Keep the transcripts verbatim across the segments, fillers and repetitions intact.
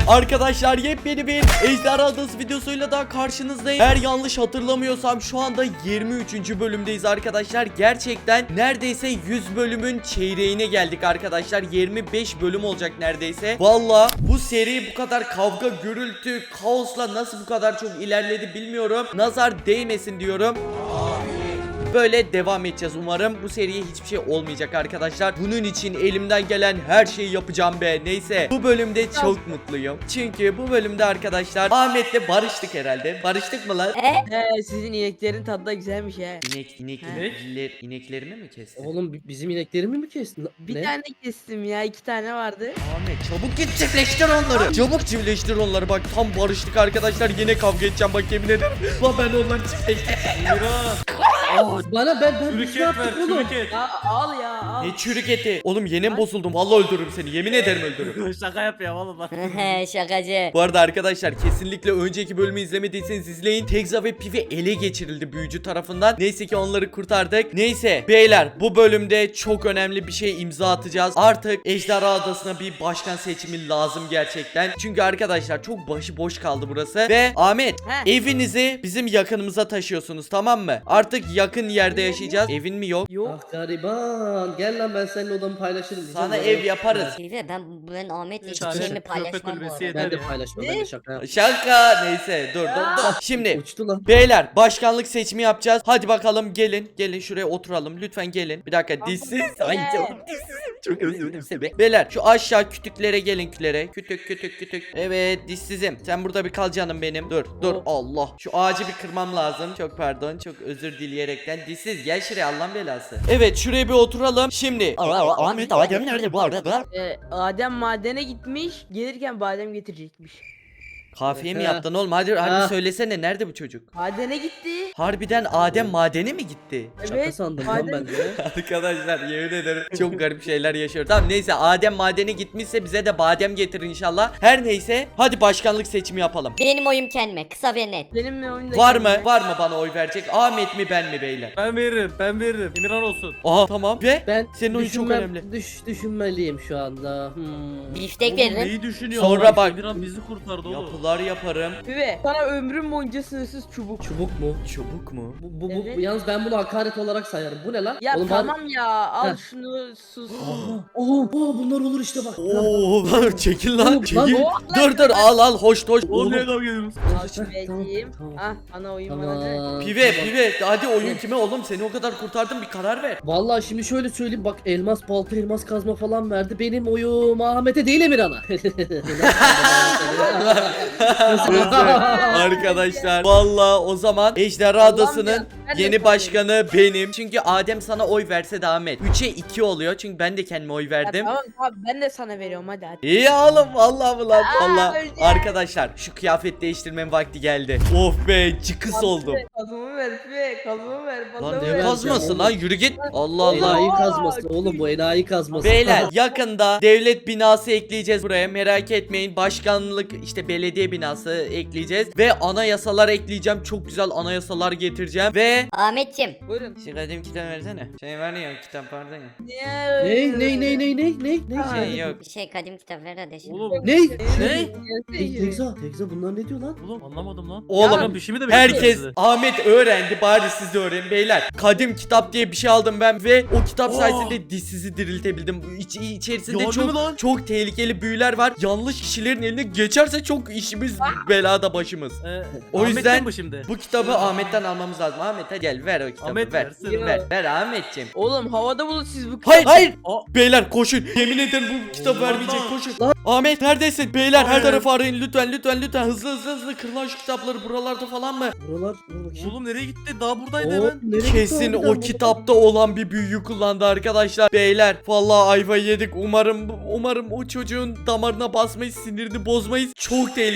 Arkadaşlar yepyeni bir Ejderha Adası videosuyla daha karşınızdayım. Eğer yanlış hatırlamıyorsam şu anda yirmi üçüncü bölümdeyiz arkadaşlar. Gerçekten neredeyse yüz bölümün çeyreğine geldik arkadaşlar. yirmi beş bölüm olacak neredeyse. Valla bu seri bu kadar kavga, gürültü, kaosla nasıl bu kadar çok ilerledi bilmiyorum. Nazar değmesin diyorum. Böyle devam edeceğiz umarım. Bu seriye hiçbir şey olmayacak arkadaşlar. Bunun için elimden gelen her şeyi yapacağım be. Neyse, bu bölümde çok mutluyum. Çünkü bu bölümde arkadaşlar Ahmet'le barıştık herhalde. Barıştık mı lan? He, sizin ineklerin tadı da güzelmiş he. İnek, inek, He? inekler, ineklerini mi kestin? Oğlum bi- bizim ineklerimi mi kestin? Bir Ne? tane kestim ya, iki tane vardı. Ahmet çabuk git çiftleştir onları. Çabuk çiftleştir onları. Bak tam barıştık arkadaşlar. Yine kavga edeceğim bak, yemin ederim. Lan ben onları çiftleştirdim. Aa, bana ben ben Çürük ne et ver, yaptık oğlum? çürük et. Ya al ya al. Ne çürük eti. Oğlum yeni mi bozuldum? Vallahi öldürürüm seni. Yemin ederim öldürürüm. Şaka yapıyor oğlum bak. Şakacı. Bu arada arkadaşlar kesinlikle önceki bölümü izlemediyseniz izleyin. Tekza ve Pivi ele geçirildi büyücü tarafından. Neyse ki onları kurtardık. Neyse beyler, bu bölümde çok önemli bir şey imza atacağız. Artık Ejderha Adası'na bir başkan seçimi lazım gerçekten. Çünkü arkadaşlar çok başıboş kaldı burası. Ve Ahmet, He. evinizi bizim yakınımıza taşıyorsunuz, tamam mı? Artık yakın yerde yaşayacağız. Evin mi yok? Yok. Ah gariban, gel lan ben seninle odamı paylaşırım diyeceğim. Sana Bana- ev yaparız. Silve ben ben Ahmet'le hiçbir Çarşı, şeyimi köpek paylaşmam bu kulübesi arada. Ben de yeter. paylaşmam, ben de şaka yaptım. Şaka. Neyse dur dur dur. Şimdi Uçtu lan. beyler, başkanlık seçimi yapacağız. Hadi bakalım, gelin. Gelin şuraya oturalım. Lütfen gelin. Bir dakika, dişsiz. Ay canım, dişsizim. Çok özledim seni. Beyler şu aşağı kütüklere gelin, külere. Kütük kütük kütük. Evet dişsizim. Sen burada bir kal canım benim. Dur dur Allah. Şu ağacı bir kırmam lazım. Çok pardon. Çok özür dileyerekten. Dişsiz gel şuraya, Allah'ın belası. Evet şuraya bir oturalım. Şimdi. Ahmet Adem nerede bu arada? Ee, Adem madene gitmiş, gelirken badem getirecekmiş. Kafiye mi Ha. yaptın oğlum? Hadi harbi Ha. söylesene, nerede bu çocuk? Madene gitti. Harbiden Adem madene mi gitti? Şaka Evet. sandım lan madem- ben de. Arkadaşlar yemin ederim çok garip şeyler yaşıyoruz. Tamam neyse, Adem madene gitmişse bize de badem getirin inşallah. Her neyse hadi başkanlık seçimi yapalım. Benim oyum kendime, kısa ve net. Benim mi oyunda Var mı? kendine. Var mı bana oy verecek? Ahmet mi ben mi beyler? Ben veririm, ben veririm. Emirhan olsun. Aha tamam. Ve Ben senin oyun çok düşünmem- önemli. Düş, düşünmeliyim şu anda. Hmm. Biftek Oğlum veririm. neyi düşünüyor? Sonra Allah? bak. Emirhan bizi kurtardı oğlum. Yapılar yaparım. Pive, sana ömrüm boyunca sınırsız çubuk. Çubuk mu? Çubuk mu? Bu, bu, bu- Evet. yalnız ben bunu hakaret olarak sayarım. Bu ne lan? Ya Oğlum tamam ya, al Heh. şunu sus. Ben... Oo, oo, bunlar olur işte bak. Oo çekil lan, Oğlum, çekil. lan, Dur dur al al, hoş hoş. Oğlum niye Oğlum. kavga ediyoruz? Al şu vereyim. tamam. Ah, ana oyun bana de. Tamam. Pive tamam. pive hadi, oyun kime oğlum, seni o kadar kurtardım, bir karar ver. Vallahi şimdi şöyle söyleyeyim, bak elmas balta, elmas kazma falan verdi. Benim oyum Ahmet'e değil Emirhan'a. Arkadaşlar valla o zaman Ejderha Allah'ım Adası'nın ya, ben de yeni sanıyorum. başkanı benim. Çünkü Adem sana oy verse de Ahmet üçe iki oluyor. Çünkü ben de kendime oy Ya verdim. tamam tamam, ben de sana veriyorum hadi hadi. İyi oğlum, vallahi mı lan, Aa, valla. öleceğim. Arkadaşlar şu kıyafet değiştirmenin vakti geldi. Of be, cıkıs oldum. Kazımı ver Pive, kazımı ver. Lan baltamı ne ver. kazması lan, yürü git. Allah Allah. Enayi kazması oğlum, bu enayi kazması. Beyler yakında devlet binası ekleyeceğiz buraya, merak etmeyin. Başkanlık işte belediye binası ekleyeceğiz. Ve anayasalar ekleyeceğim. Çok güzel anayasalar getireceğim. Ve Ahmetciğim. Buyurun. şu kadim kitap versene. Şey var ya, kitap pardon ya. Ne ne ne ne ne ne ne Şey yok. Bir şey kadim kitap ver hadi şimdi. Oğlum, Ne? Ne? Te- Tekza, Tekza bunlar ne diyor lan? oğlum anlamadım lan. Oğlum, Emirhan bir şey mi demek Herkes, istedi? Ahmet öğrendi, bari siz de öğrenin beyler. Kadim kitap diye bir şey aldım ben ve o kitap Oh. sayesinde dişsizi diriltebildim. İç, içerisinde Yardım mı çok lan? çok tehlikeli büyüler var. Yanlış kişilerin eline geçerse çok işimiz belada başımız. Ee, O Ahmet'ten yüzden mi şimdi? bu kitabı Ahmet'ten almamız lazım. Ahmet hadi gel, ver o kitabı. Ahmet ver. versin. Ver, ver Ahmetciğim. Oğlum havada bulun siz bu Hayır hayır. Aa. Beyler koşun. Yemin ederim bu kitap Allah vermeyecek, Allah. koşun. Ahmet neredesin? Beyler her Hayır. tarafı arayın lütfen lütfen lütfen. Hızlı hızlı hızlı, kırılan şu kitapları buralarda falan mı? Buralar, dur bakayım. Oğlum nereye gitti? Daha buradaydı Oo, hemen. nereye gitti Kesin harbiden o bu? kitapta olan bir büyüyü kullandı arkadaşlar. Beyler vallahi ayva yedik. Umarım umarım o çocuğun damarına basmayız, sinirini bozmayız. Çok tehlikeli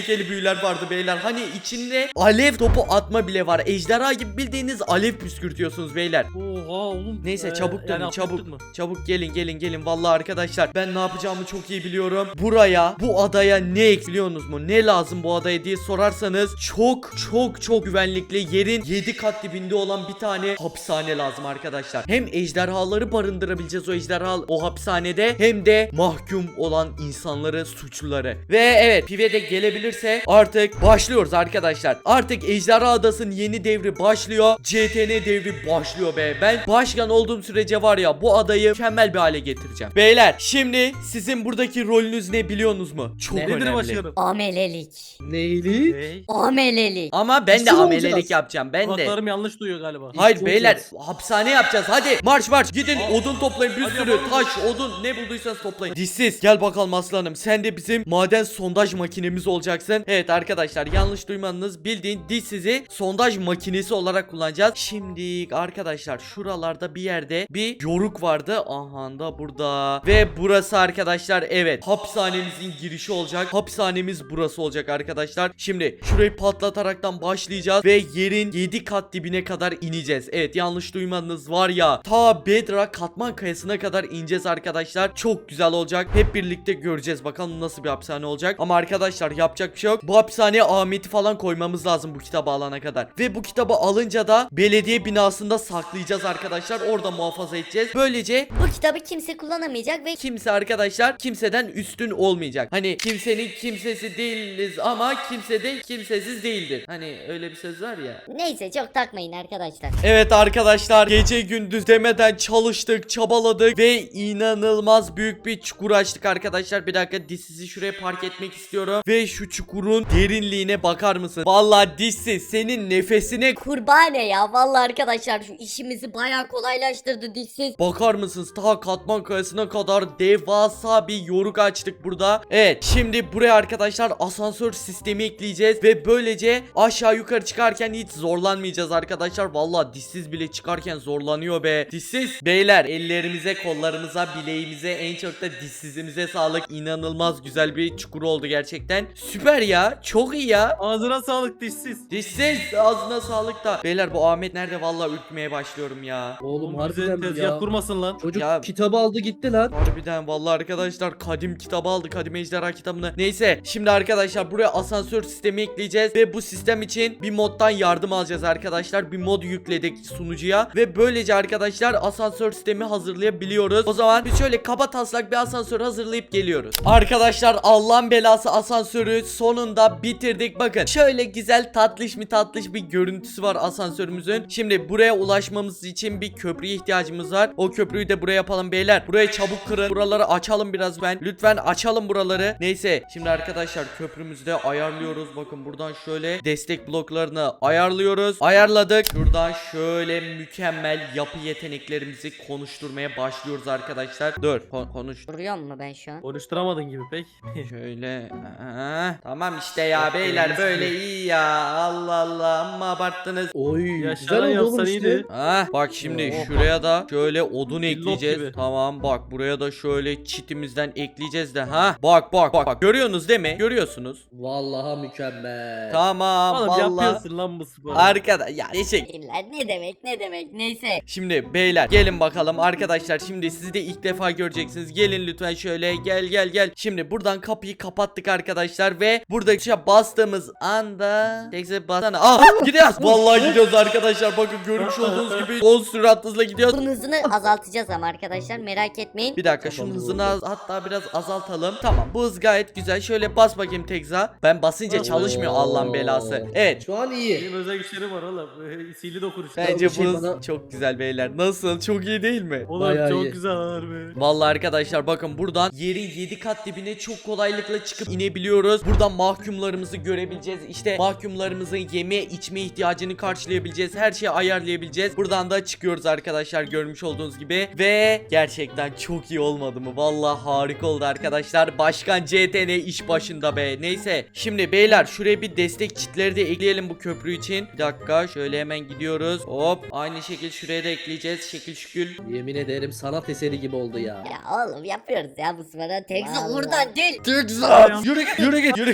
tehlikeli büyüler vardı beyler. Hani içinde alev topu atma bile var. Ejderha gibi bildiğiniz alev püskürtüyorsunuz beyler. Oha oğlum. Neyse Ee, çabuk dönün yani çabuk. atlattık mı? Çabuk gelin gelin gelin. Vallahi arkadaşlar ben ne yapacağımı çok iyi biliyorum. Buraya, bu adaya ne ekliyorsunuz mu? Ne lazım bu adaya diye sorarsanız çok çok çok güvenlikli, yerin yedi kat dibinde olan bir tane hapishane lazım arkadaşlar. Hem ejderhaları barındırabileceğiz o ejderha o hapishanede, hem de mahkum olan insanları, suçluları. Ve evet, Pive de gelebilirse artık başlıyoruz arkadaşlar. Artık Ejderha Adası'nın yeni devri başlıyor. C T N devri başlıyor be. Ben başkan olduğum sürece var ya, bu adayı mükemmel bir hale getireceğim. Beyler şimdi sizin buradaki rolünüz ne biliyorsunuz mu? Çok Ne? Nedir önemli. başkanım? Amelelik. Neyli? Hey. Amelelik. Ama ben de Nasıl amelelik olacağız? yapacağım. Ben de. Kulaklarım yanlış duyuyor galiba. Hayır İşte beyler, olacağız. hapishane yapacağız. Hadi marş marş gidin, Aa. odun toplayın, bir Hadi sürü yapalım. taş, odun, ne bulduysanız toplayın. Dişsiz gel bakalım aslanım, sen de bizim maden sondaj makinemiz olacaksın. Evet arkadaşlar, yanlış duymadınız, bildiğin dişsizi sondaj makinesi olarak kullanacağız. Şimdi arkadaşlar şuralarda bir yerde bir yoruk vardı. Aha da burada. Ve burası arkadaşlar, evet, hapishanemizin girişi olacak. Hapishanemiz burası olacak arkadaşlar. Şimdi şurayı patlataraktan başlayacağız ve yerin yedi kat dibine kadar ineceğiz. Evet, yanlış duymadınız, var ya, ta Bedrock katman kayasına kadar ineceğiz arkadaşlar. Çok güzel olacak. Hep birlikte göreceğiz bakalım nasıl bir hapishane olacak. Ama arkadaşlar yapacak bir şey yok. Bu hapishaneye Ahmet'i falan koymamız lazım bu kitabı alana kadar. Ve bu kitabı alınca da belediye binasında saklayacağız arkadaşlar. Orada muhafaza edeceğiz. Böylece Bu kitabı kimse kullanamayacak ve kimse arkadaşlar kimseden üstün olmayacak. Hani kimsenin kimsesi değiliz ama kimse de kimsesiz değildir. Hani öyle bir söz var ya. neyse çok takmayın arkadaşlar. Evet arkadaşlar, gece gündüz demeden çalıştık, çabaladık ve inanılmaz büyük bir çukur açtık arkadaşlar. Bir dakika, dişsizi şuraya park etmek istiyorum ve şu çukurun derinliğine bakar mısın? Vallahi dişsiz, senin nefesine Kurbane ya, vallahi arkadaşlar şu işimizi bayağı kolaylaştırdı dişsiz. bakar mısınız? Ta katman kayasına kadar devasa bir yoruk açtık burada. Evet, şimdi buraya arkadaşlar asansör sistemi ekleyeceğiz ve böylece aşağı yukarı çıkarken hiç zorlanmayacağız arkadaşlar. Vallahi dişsiz bile çıkarken zorlanıyor be. Dişsiz beyler, ellerimize, kollarımıza, bileğimize, en çok da dişsizimize sağlık. İnanılmaz güzel bir çukur oldu gerçekten. Süper ya, çok iyi ya. Ağzına sağlık dişsiz. Dişsiz, ağzına sağlık da. Beyler bu Ahmet nerede? Vallahi ürkmeye başlıyorum ya. Oğlum Oğlum bize harbiden tezgah ya. kurmasın lan. Çocuk Ya- kitabı aldı gitti lan. Harbiden vallahi arkadaşlar, kadim kitabı aldı, kadim ejderha kitabını. Neyse, şimdi arkadaşlar buraya asansör sistemi ekleyeceğiz ve bu sistem için bir moddan yardım alacağız arkadaşlar. Bir mod yükledik sunucuya ve böylece arkadaşlar asansör sistemi hazırlayabiliyoruz. O zaman biz şöyle kaba taslak bir asansör hazırlayıp geliyoruz. Arkadaşlar Allah'ın belası asansörü sonunda bitirdik. Bakın şöyle güzel, tatlış mı tatlış bir görüntüsü var asansörümüzün. Şimdi buraya ulaşmamız için bir köprüye ihtiyacımız var. O köprüyü de buraya yapalım beyler. Burayı çabuk kırın. Buraları açalım biraz ben. Lütfen açalım buraları. Neyse, şimdi arkadaşlar köprümüzü de ayarlıyoruz. Bakın buradan şöyle destek bloklarını ayarlıyoruz. Ayarladık. Şuradan şöyle mükemmel yapı yeteneklerimizi konuşturmaya başlıyoruz arkadaşlar. Dur, ko- konuş. Duruyor mu ben şu an? Konuşturamadın gibi pek. Şöyle. Aha. Tamam işte ya beyler, böyle iyi ya. Allah Allah, amma abarttınız. Oy Ya güzel şaran oldu oğlum yapsan işte. iyiydi. Ah, bak şimdi Oh. şuraya da şöyle odun Billop ekleyeceğiz. gibi. Tamam, bak buraya da şöyle çitimizden ekleyeceğiz de, ha. Bak bak bak bak, görüyorsunuz değil mi? Görüyorsunuz. Vallahi mükemmel. Tamam Oğlum vallahi. yapıyorsun lan bu sporu. Arkadaş ya eşek. İlla ne demek ne demek neyse. Şimdi beyler gelin bakalım arkadaşlar, şimdi sizi de ilk defa göreceksiniz. Gelin lütfen şöyle, gel gel gel. Şimdi buradan kapıyı kapattık arkadaşlar ve burada tuşa bastığımız anda tekse basana. Ah, gidiyoruz. Vallahi gidiyoruz arkadaşlar. Bakın görmüş olduğunuz gibi son sürat hızla gidiyoruz. Bunun hızını azaltacağız ama arkadaşlar merak etmeyin. Bir dakika, şunun hızını az, hatta biraz azaltalım. Tamam, bu hız gayet güzel. Şöyle bas bakayım tekza. Ben basınca çalışmıyor, Allah'ın belası. Evet. Şu an iyi. Benim özel güçlerim var oğlum. Sihirli dokunuş. Bence bir şey bu hız bana- çok güzel beyler. Nasıl? Çok iyi değil mi? Oğlum Bayağı çok iyi. güzel harbi. Vallahi arkadaşlar bakın, buradan yerin yedi kat dibine çok kolaylıkla çıkıp inebiliyoruz. Buradan mahkumlarımızı görebileceğiz. İşte mahkumlarımızın yeme içme ihtiyacını karşılayabileceğiz. Her şeyi ayarlayabileceğiz. Buradan da çıkıyoruz arkadaşlar, görmüş olduğunuz gibi. Ve gerçekten çok iyi olmadı mı? Vallahi harika oldu arkadaşlar. Başkan C T N iş başında be. Neyse, şimdi beyler şuraya bir destek çitleri de ekleyelim bu köprü için. Bir dakika, şöyle hemen gidiyoruz. Hop, aynı şekil şuraya da ekleyeceğiz. Şekil şükül. Yemin ederim sanat eseri gibi oldu ya. Ya oğlum yapıyoruz ya bu sporu. Tekza Vallahi. oradan değil. Tekza! Yürü git, yürü git, yürü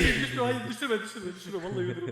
düşme hayır düşürme düşürme düşürme vallahi ölürüm.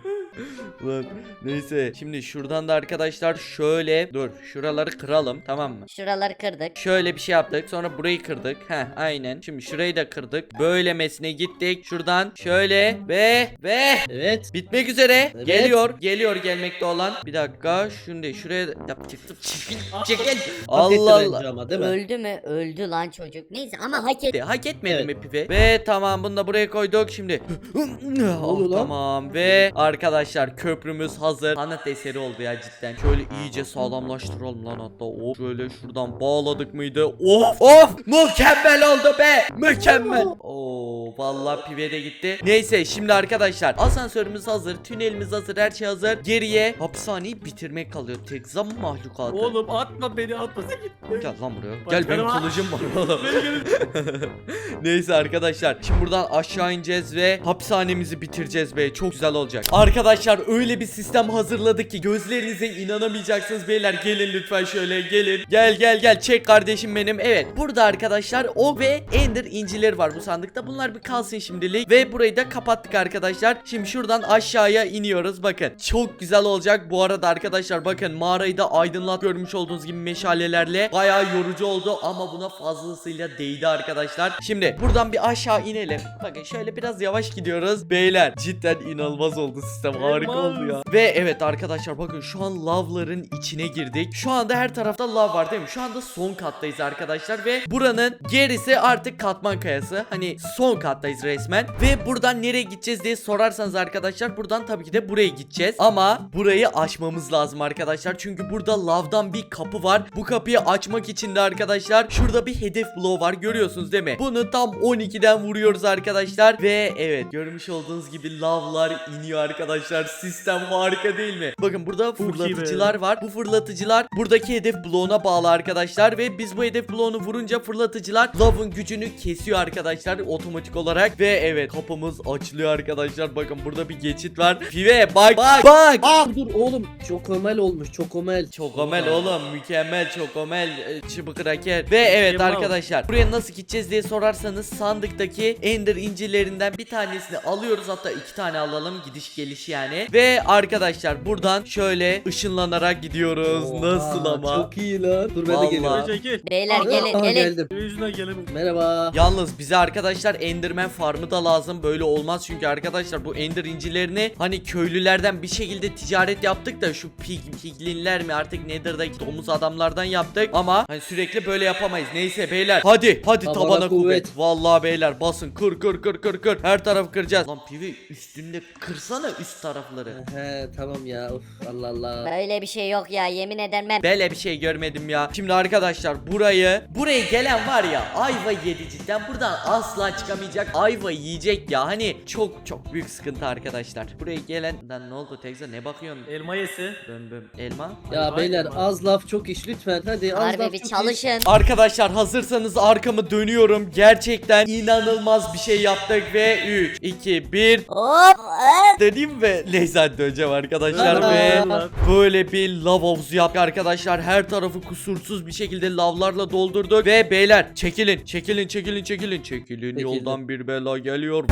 Lan neyse şimdi şuradan da arkadaşlar şöyle dur şuraları kıralım tamam mı? Şuraları kırdık. Şöyle bir şey yaptık sonra burayı kırdık. Heh aynen şimdi şurayı da kırdık. Böylemesine gittik şuradan şöyle ve ve Evet. bitmek üzere. Evet. Geliyor geliyor gelmekte olan. Bir dakika şunu da şuraya yapacaktım. Çekil çekil. Hak etti Allah bence Allah. ama değil mi? Öldü mü? Öldü lan çocuk. Neyse ama hak etti. Hak etmedi Evet. mi pipi? Ve tamam bunu da buraya koyduk şimdi. oluyor Oh, lan? tamam ve arkadaşlar köprümüz hazır. Sanat eseri oldu ya cidden. Şöyle iyice sağlamlaştıralım lan hatta. Of şöyle şuradan bağladık mıydı? Of of mükemmel oldu be. Mükemmel. Oo vallahi pive de gitti. Neyse şimdi arkadaşlar asansörümüz hazır. Tünelimiz hazır. Her şey hazır. Geriye hapishaneyi bitirmek kalıyor. Tek zam mahlukatı. Oğlum atma beni atma sen git. Gel lan buraya. Bak, Gel benim canım- kılıcım var oğlum. Beni gelin. Neyse arkadaşlar şimdi buradan aşağı ineceğiz ve hapishanemizi bitireceğiz be çok güzel olacak. Arkadaşlar öyle bir sistem hazırladık ki gözlerinize inanamayacaksınız beyler gelin lütfen şöyle gelin. Gel gel gel çek kardeşim benim. Evet burada arkadaşlar o ve ender incileri var bu sandıkta. Bunlar bir kalsın şimdilik ve burayı da kapattık arkadaşlar. Şimdi şuradan aşağıya iniyoruz bakın. Çok güzel olacak bu arada arkadaşlar bakın mağarayı da aydınlat görmüş olduğunuz gibi meşalelerle. Bayağı yorucu oldu ama buna fazlasıyla değdi arkadaşlar. Şimdi buradan bir aşağı inelim. Bakın şöyle biraz yavaş gidiyoruz. Beyler cidden inanılmaz oldu sistem. Harika Elmas. oldu ya. Ve evet arkadaşlar bakın şu an lavların içine girdik. Şu anda her tarafta lav var değil mi? Şu anda son kattayız arkadaşlar ve buranın gerisi artık katman kayası. Hani son kattayız resmen. Ve buradan nereye gideceğiz diye sorarsanız arkadaşlar buradan tabii ki de buraya gideceğiz. Ama burayı açmamız lazım arkadaşlar. Çünkü burada lavdan bir kapı var. Bu kapıyı açmak için de arkadaşlar şurada bir hedef bloğu var. Görüyorsunuz değil mi? Bunu tam on ikiden vuruyoruz arkadaşlar. Ve evet görmüş olduğunuz gibi lavlar iniyor arkadaşlar. Sistem harika değil mi? Bakın burada iyi be. fırlatıcılar var. Bu fırlatıcılar buradaki hedef bloğuna bağlı arkadaşlar. Ve biz bu hedef bloğunu vurunca fırlatıcılar lavın gücünü kesiyor arkadaşlar otomatik olarak. Ve evet kapımız açılıyor arkadaşlar. Bakın burada bir geçit var. Pive bak bak bak. Dur dur oğlum çokomel olmuş çokomel. Çokomel oğlum mükemmel çokomel e, çıbık kraker. Ve evet Mükemmel. arkadaşlar buraya nasıl gideceğiz diye sorarsanız sandıktaki ender incilerinden bir tanesini alıyoruz, hatta iki tane alalım gidiş geliş yani. Ve arkadaşlar buradan şöyle ışınlanarak gidiyoruz. Oha, Nasıl ama? Çok iyi lan. Dur ben de Vallahi. geliyorum. Çekil. Beyler Aa, gelin aa, gelin. geldim. Benim yüzünden gelemiyorum. Merhaba. Yalnız bize arkadaşlar Enderman farmı da lazım. Böyle olmaz çünkü arkadaşlar bu Ender incilerini hani köylülerden bir şekilde ticaret yaptık da şu pig, piglinler mi artık Nether'daki domuz adamlardan yaptık. Ama hani sürekli böyle yapamayız. Neyse beyler hadi hadi Tabana tabana, kuvvet. kuvvet. Vallahi beyler basın kır kır kır kır kır. Her tarafı kıracağız. Lan pivi üstünde kırsana üst tarafları. He tamam ya of Allah Allah. Böyle bir şey yok ya yemin ederim ben. Böyle bir şey görmedim ya. Şimdi arkadaşlar burayı buraya gelen var ya ayva yedi cidden, buradan asla çıkamayacak, ayva yiyecek ya. Hani çok çok büyük sıkıntı arkadaşlar. Buraya gelen lan ne oldu Tekza, ne bakıyorsun? Elma yesi. Böm böm elma. Ya Vay beyler be. az laf çok iş lütfen hadi az Harbi laf bir çok iş. çalışın. Arkadaşlar hazırsanız arkamı dönüyorum. Gerçekten inanılmaz bir şey yaptık ve üç iki bir Hop. dediğim ve neyse hadi döneceğim arkadaşlar Aa. ve böyle bir lav havuzu yaptık arkadaşlar. Her tarafı kusursuz bir şekilde lavlarla doldurduk ve beyler çekilin çekilin çekilin çekilin çekilin Çekildim. yoldan bir bela geliyor.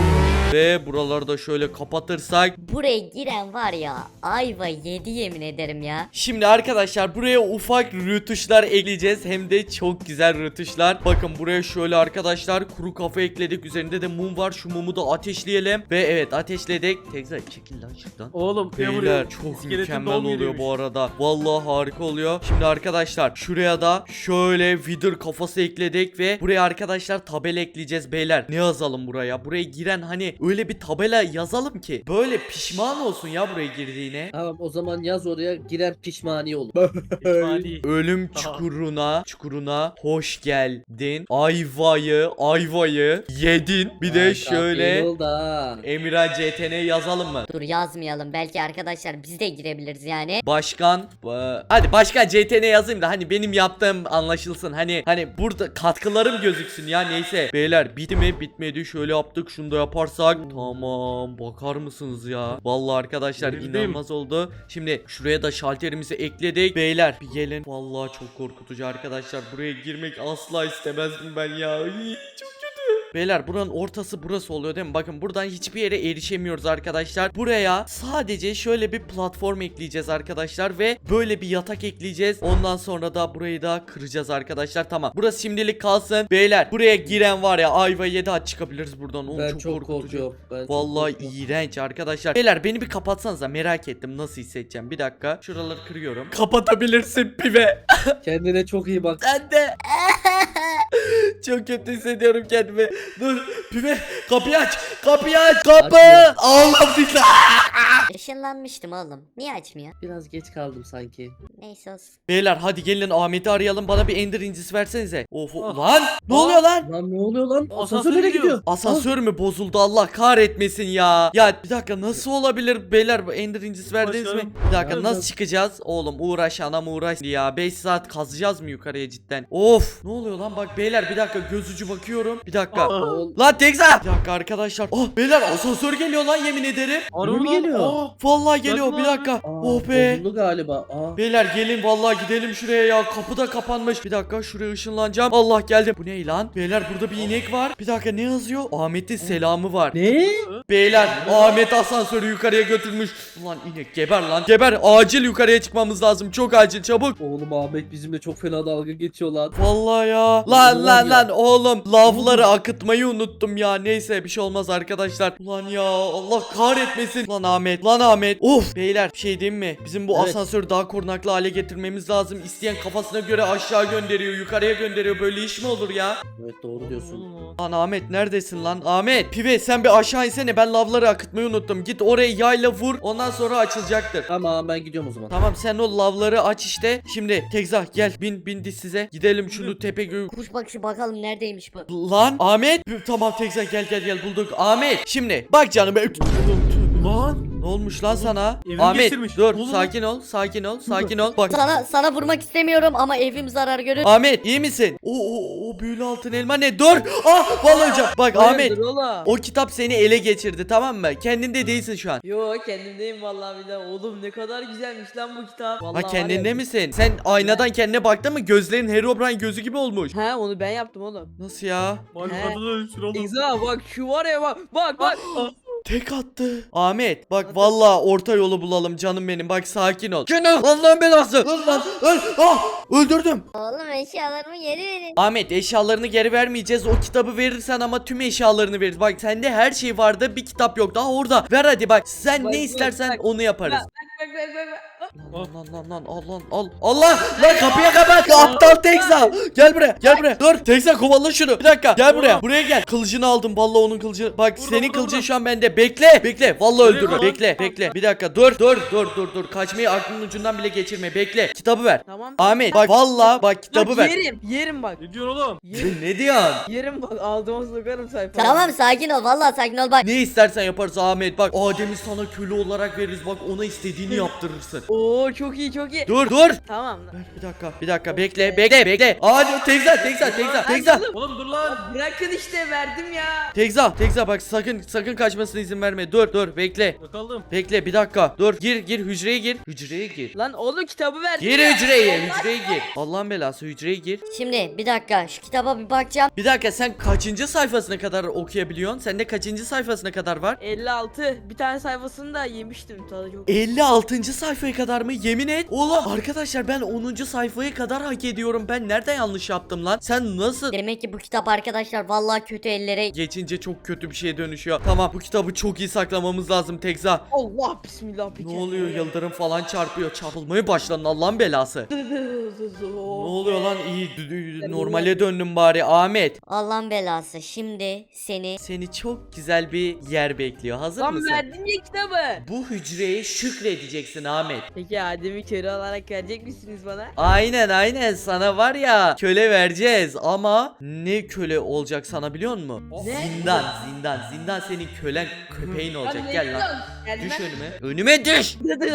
Ve buraları da şöyle kapatırsak. Buraya giren var ya ayva yedi yemin ederim ya. Şimdi arkadaşlar buraya ufak rötuşlar ekleyeceğiz. Hem de çok güzel rötuşlar. Bakın buraya şöyle arkadaşlar kuru kafa ekledik. Üzerinde de mum var. Şu mumu da ateşleyelim. Ve evet ateşledik. Tekrar çekil lan şuradan. Oğlum ne Beyler vuruyor? çok İskeletin mükemmel doğum oluyor yeriymiş. bu arada. Vallahi harika oluyor. Şimdi arkadaşlar şuraya da şöyle wither kafası ekledik ve buraya arkadaşlar tabela ekleyeceğiz beyler. Ne yazalım buraya? Buraya giren hani öyle bir tabela yazalım ki böyle pişman olsun ya buraya girdiğine. Tamam o zaman yaz oraya giren pişmani olur. Pişmani. Ölüm çukuruna çukuruna hoş geldin. Ayvayı ayvayı yedin. Bir de şöyle Oldu ha. Emirhan C T N yazalım mı? Dur yazmayalım belki arkadaşlar biz de girebiliriz yani. Başkan ba- hadi başkan C T N yazayım da hani benim yaptığım anlaşılsın. Hani hani burada katkılarım gözüksün ya. Neyse beyler bitti mi? Bitmedi. Şöyle yaptık. Şunu da yaparsak tamam, bakar mısınız ya? Vallahi arkadaşlar Bildim. inanılmaz oldu. Şimdi şuraya da şalterimizi ekledik. Beyler bir gelin. Vallahi çok korkutucu arkadaşlar. Buraya girmek asla istemezdim ben ya. Iy, çok kötü. Beyler buranın ortası burası oluyor değil mi? Bakın buradan hiçbir yere erişemiyoruz arkadaşlar. Buraya sadece şöyle bir platform ekleyeceğiz arkadaşlar ve böyle bir yatak ekleyeceğiz. Ondan sonra da burayı da kıracağız arkadaşlar. Tamam. Burası şimdilik kalsın. Beyler buraya giren var ya ayva yedi hadi çıkabiliriz buradan. Oğlum, Ben çok, çok korkutucu. korkuyorum. Ben çok Vallahi korkuyorum. iğrenç arkadaşlar. Beyler beni bir kapatsanıza merak ettim nasıl hissedeceğim. Bir dakika. Şuraları kırıyorum. Kapatabilirsin pive. Kendine çok iyi bak. Sen de. Çok kötü hissediyorum kendimi. Dur pive kapıyı aç. Kapıyı aç. Kapı. Açmıyor. Allah billahi. Işınlanmıştım oğlum. Niye açmıyor? Biraz geç kaldım sanki. Neyse olsun. Beyler hadi gelin Ahmet'i arayalım. Bana bir ender incisi versenize. Of Ah. lan. Ne Ah. oluyor lan? Lan ne oluyor lan? Asansör Asansör nereye gidiyor. gidiyor? Asansör mü bozuldu Allah kahretmesin ya. Ya bir dakika nasıl olabilir beyler bu ender incisi verdiniz mi? Başlarım. Bir dakika Evet, nasıl evet. çıkacağız? Oğlum uğraş anam uğraş ya. beş saat kazacağız mı yukarıya cidden? Of ne oluyor lan bak beyler bir dakika gözücü bakıyorum. Bir dakika. Aa. Oğlum, Lan Tekza. Bir dakika arkadaşlar. Oh beyler asansör geliyor lan yemin ederim. Arıyor mi lan. geliyor? Aa. Vallahi geliyor Bakın bir abi. dakika. aa, Oh be. bozuldu galiba. Aa. Beyler gelin vallahi gidelim şuraya ya. Kapı da kapanmış. Bir dakika şuraya ışınlanacağım. Allah geldim. Bu ne lan? Beyler burada bir inek var. Bir dakika ne yazıyor? Ahmet'in selamı var. Ne? Beyler Ahmet asansörü yukarıya götürmüş. Ulan inek geber lan. Geber acil yukarıya çıkmamız lazım. Çok acil çabuk. Oğlum Ahmet bizimle çok fena dalga geçiyor lan. Vallahi ya. Lan Ulan lan ya. lan oğlum. Lavları akıtmayı unuttum ya. Neyse bir şey olmaz arkadaşlar. Ulan ya Allah kahretmesin. Lan Ahmet. Lan Ahmet. Of. Beyler bir şey diyeyim mi? Bizim bu Evet. asansörü daha korunaklı hale getirmemiz lazım. İsteyen kafasına göre aşağı gönderiyor. Yukarıya gönderiyor. Böyle iş mi olur ya? Evet doğru diyorsun. Lan Ahmet neredesin lan? Ahmet. Pive sen bir aşağı insene. Ben lavları akıtmayı unuttum. Git oraya yayla vur. Ondan sonra açılacaktır. Tamam ben gidiyorum o zaman. Tamam sen o lavları aç işte. Şimdi Tekza gel bin bin diz size. Gidelim şunu tepe gö... Kuş bakışı bakalım neredeymiş bu. Lan Ahmet. Tamam Tekza gel gel gel bulduk. Ahmet şimdi bak canım. Lan. Ne olmuş lan sana? Evimi Ahmet geçirmiş. dur Ne oldu sakin ol sakin ol sakin ol. Bak Sana sana vurmak istemiyorum ama evim zarar görür. Ahmet iyi misin? O o o büyülü altın elma ne? Dur. Ah vallahi hocam. Bak Ahmet Hayırdır oğlum? o kitap seni ele geçirdi tamam mı? Kendinde değilsin şu an. Yo kendimdeyim vallahi billahi. Oğlum ne kadar güzelmiş lan bu kitap. Vallahi Ha var kendinde ya- misin? Sen aynadan kendine baktın mı? Gözlerin Herobrine gözü gibi olmuş. He onu ben yaptım oğlum. Nasıl ya? Bak He. kadına dönüşür oğlum. İza bak şu var ya bak bak bak. Tek attı. Ahmet bak vallahi orta yolu bulalım canım benim. Bak sakin ol. Şunu Allah'ın belası. Öl lan. Öl. Ah, öldürdüm. Oğlum eşyalarımı geri verin. Ahmet eşyalarını geri vermeyeceğiz. O kitabı verirsen ama tüm eşyalarını veririz. Bak sende her şey vardı. Bir kitap yok. Daha orada. Ver hadi bak. Sen Bak, ne bak, istersen bak. onu yaparız. Bak bak bak bak bak. Lan lan lan lan al lan al. Allah lan kapıya kapat. Aptal Tekza. Gel buraya. Gel buraya. Dur Tekza kovala şunu. Bir dakika. Gel buraya. Buraya gel. Kılıcını aldım. Vallahi onun kılıcını. Bak Burada, senin burada, kılıcın burada. şu an bende. Bekle. Bekle. Vallahi Nereye öldürme. lan? Bekle. Bekle. Bir dakika. Dur. Dur. Dur. Dur. Dur. Kaçmayı aklının ucundan bile geçirme. Bekle. Kitabı ver. Tamam. Ahmet bak vallahi bak kitabı Bak ver. yerim yerim bak. Ne diyorsun oğlum? Yerim, Ne diyorsun? yerim bak aldıma sokarım sayfayı. Tamam sakin ol vallahi sakin ol bak. Ne istersen yaparız Ahmet. Bak Adem'i sana köle olarak veririz. Bak ona istediğini yaptırırsın. Oo çok iyi çok iyi. Dur dur. Tamam lan. Ver bir dakika. Bir dakika bekle bekle bekle. Hadi Tekza Tekza Tekza Tekza. Oğlum dur lan. Bırakın işte verdim ya. Tekza Tekza bak sakın sakın kaçmasına izin verme. Dur dur bekle. Bakalım. Bekle bir dakika. Dur gir gir hücreye gir. Hücreye gir. Lan oğlum kitabı verdim Gir ya. hücreye hücreye gir. Allah'ın belası hücreye gir. Şimdi bir dakika şu kitaba bir bakacağım. Bir dakika sen kaçıncı sayfasına kadar okuyabiliyorsun? Sende kaçıncı sayfasına kadar var? elli altı. Bir tane sayfasını da yemiştim tadı çok. elli altıncı sayfaya kadar mı? Yemin et. Oğlum arkadaşlar ben onuncu sayfaya kadar hak ediyorum. Ben nereden yanlış yaptım lan? Sen nasıl? Demek ki bu kitap arkadaşlar vallahi kötü ellere. Geçince çok kötü bir şeye dönüşüyor. Tamam bu kitabı çok iyi saklamamız lazım Tekza. Allah bismillah bir Ne oluyor yıldırım falan çarpıyor. Çarpılmaya başladın Allah'ın belası. Ne oluyor lan iyi dü- dü- normale döndüm bari Ahmet. Allah'ın belası şimdi seni. Seni çok güzel bir yer bekliyor. Hazır Lan mısın? verdim ya kitabı. Bu hücreye şükredeceksin Ahmet. Peki Adem'i köle olarak verecek misiniz bana? Aynen aynen sana var ya köle vereceğiz ama ne köle olacak sana biliyor musun? Ne? Zindan zindan zindan senin kölen köpeğin olacak. Gel lan. Gelmem. Düş önüme. Önüme düş.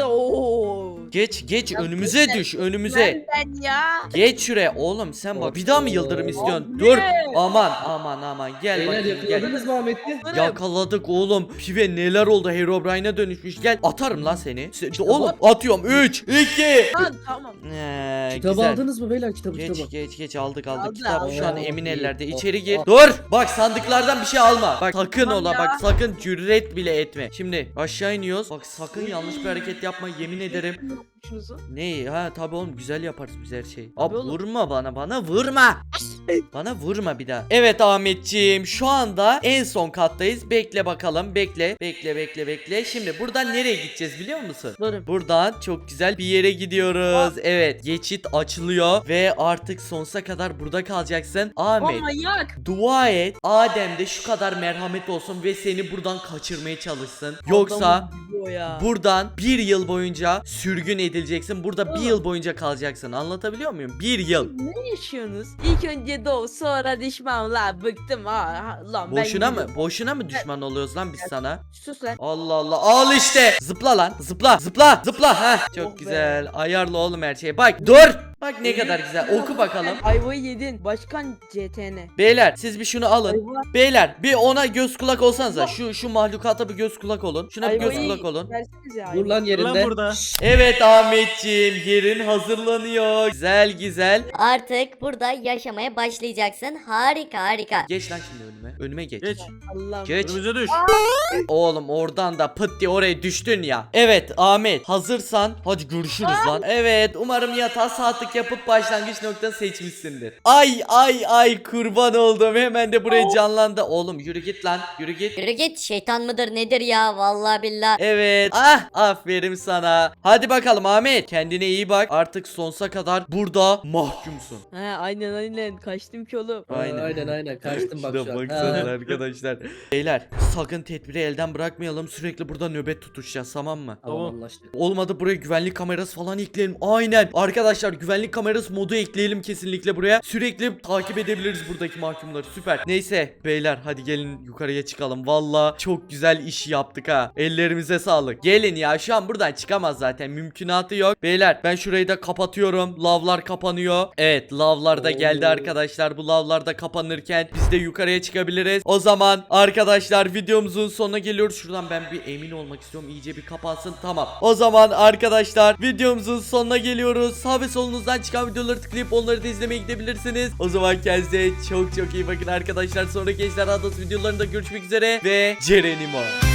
Oo. Geç geç Ya önümüze ben- düş önümüze. Ben ya. Geç şuraya oğlum sen bak. Bir daha mı yıldırım istiyorsun? Abi. Dur. Aman aman aman gel Beyler bakayım gel. yakaladınız mı Ahmet'i? Yakaladık oğlum. Pive neler oldu? Herobrine'e dönüşmüş. Gel atarım lan seni. Se- oğlum atıyorum. üç iki. Lan tamam. Ee, Kitabı güzel. aldınız mı beyler kitabı Geç kitabı? geç geç aldık aldık. Aldı, Kitap aldı. şu an Oo, emin iyi. ellerde. Oh, İçeri gir. oh. Dur. Bak sandıklardan bir şey alma. Bak sakın Tamam ola ya. bak sakın cüret bile etme. Şimdi aşağı iniyoruz. Bak sakın yanlış bir hareket yapma yemin ederim. Şunuzu. Ne? Ha tabii oğlum güzel yaparız biz her şeyi. Abi oğlum. vurma bana bana vurma. Bana vurma bir daha. Evet Ahmetciğim şu anda en son kattayız. Bekle bakalım bekle. Bekle bekle bekle. Şimdi buradan nereye gideceğiz biliyor musun? Durun. Buradan çok güzel bir yere gidiyoruz. Evet geçit açılıyor ve artık sonsuza kadar burada kalacaksın. Ahmet O manyak. dua et Adem'de şu kadar merhamet olsun ve seni buradan kaçırmaya çalışsın. Yoksa Adamın gibi o ya. buradan bir yıl boyunca sürgün edileceksin. Burada bir Oğlum. yıl boyunca kalacaksın. Anlatabiliyor muyum? Bir yıl. Ne yaşıyorsunuz? İlk önce doğ sonra düşman la bıktım ha, ha lan ben Boşuna mı? gidiyorum. Boşuna mı düşman oluyoruz lan biz sana? Sus lan. Allah Allah. Al işte. Zıpla lan. Zıpla. Zıpla. Zıpla. Heh. Çok Oh be. güzel. Ayarla oğlum her şeyi. Bak dur. Bak ne kadar güzel. Oku bakalım. Ayvayı yedin. Başkan C T N. Beyler siz bir şunu alın. Ayva. Beyler bir ona göz kulak olsanıza. Şu şu mahlukata bir göz kulak olun. Şuna bir göz Ayvayı kulak olun. versenize Dur ayvayı. lan Lan yerinde. burada. Evet Ahmetciğim yerin hazırlanıyor. Güzel güzel. Artık burada yaşamaya başlayacaksın. Harika harika. Geç lan şimdi önüme. Önüme geç. Geç. Allah'ım. Geç. Önümüze düş. Oğlum oradan da pıt diye oraya düştün ya. Evet Ahmet hazırsan hadi görüşürüz lan. Evet umarım yatağa saatlik yapıp başlangıç noktanı seçmişsindir. Ay ay ay kurban oldum hemen de buraya canlandı. Oğlum yürü git lan yürü git. Yürü git, şeytan mıdır nedir ya, vallahi billah. Evet ah aferin sana. Hadi bakalım Ahmet kendine iyi bak. Artık sonsuza kadar burada mahkumsun. He aynen aynen kaçtım ki oğlum. Aynen. Aynen aynen kaçtım bak Şuna şu an. baksana Ha. arkadaşlar. Beyler sakın tedbiri elden bırakmayalım. Sürekli burada nöbet tutuşacağız tamam mı? Tamam Tamam. anlaştık. Olmadı buraya güvenlik kamerası falan ekleyelim. Aynen. Arkadaşlar güvenlik kamerası modu ekleyelim kesinlikle buraya. Sürekli takip edebiliriz buradaki mahkumları. Süper. Neyse beyler hadi gelin yukarıya çıkalım. Valla çok güzel iş yaptık ha. Ellerimize sağlık. Gelin ya şu an buradan çıkamaz zaten. Mümkünatı yok. Beyler ben şurayı da kapatıyorum. Lavlar kapanıyor. Evet lavlar da geldi Oo. arkadaşlar. Bu lavlar da kapanırken biz de yukarıya çıkabiliriz. O zaman arkadaşlar videomuzun sonuna geliyoruz. Şuradan ben bir emin olmak istiyorum. İyice bir kapansın. Tamam. O zaman arkadaşlar videomuzun sonuna geliyoruz. Sağ ve solunuzdan çıkan videoları tıklayıp onları da izlemeye gidebilirsiniz. O zaman kendinize çok çok iyi bakın arkadaşlar. Sonraki Ejderha Adası videolarında görüşmek üzere ve Cerenimo.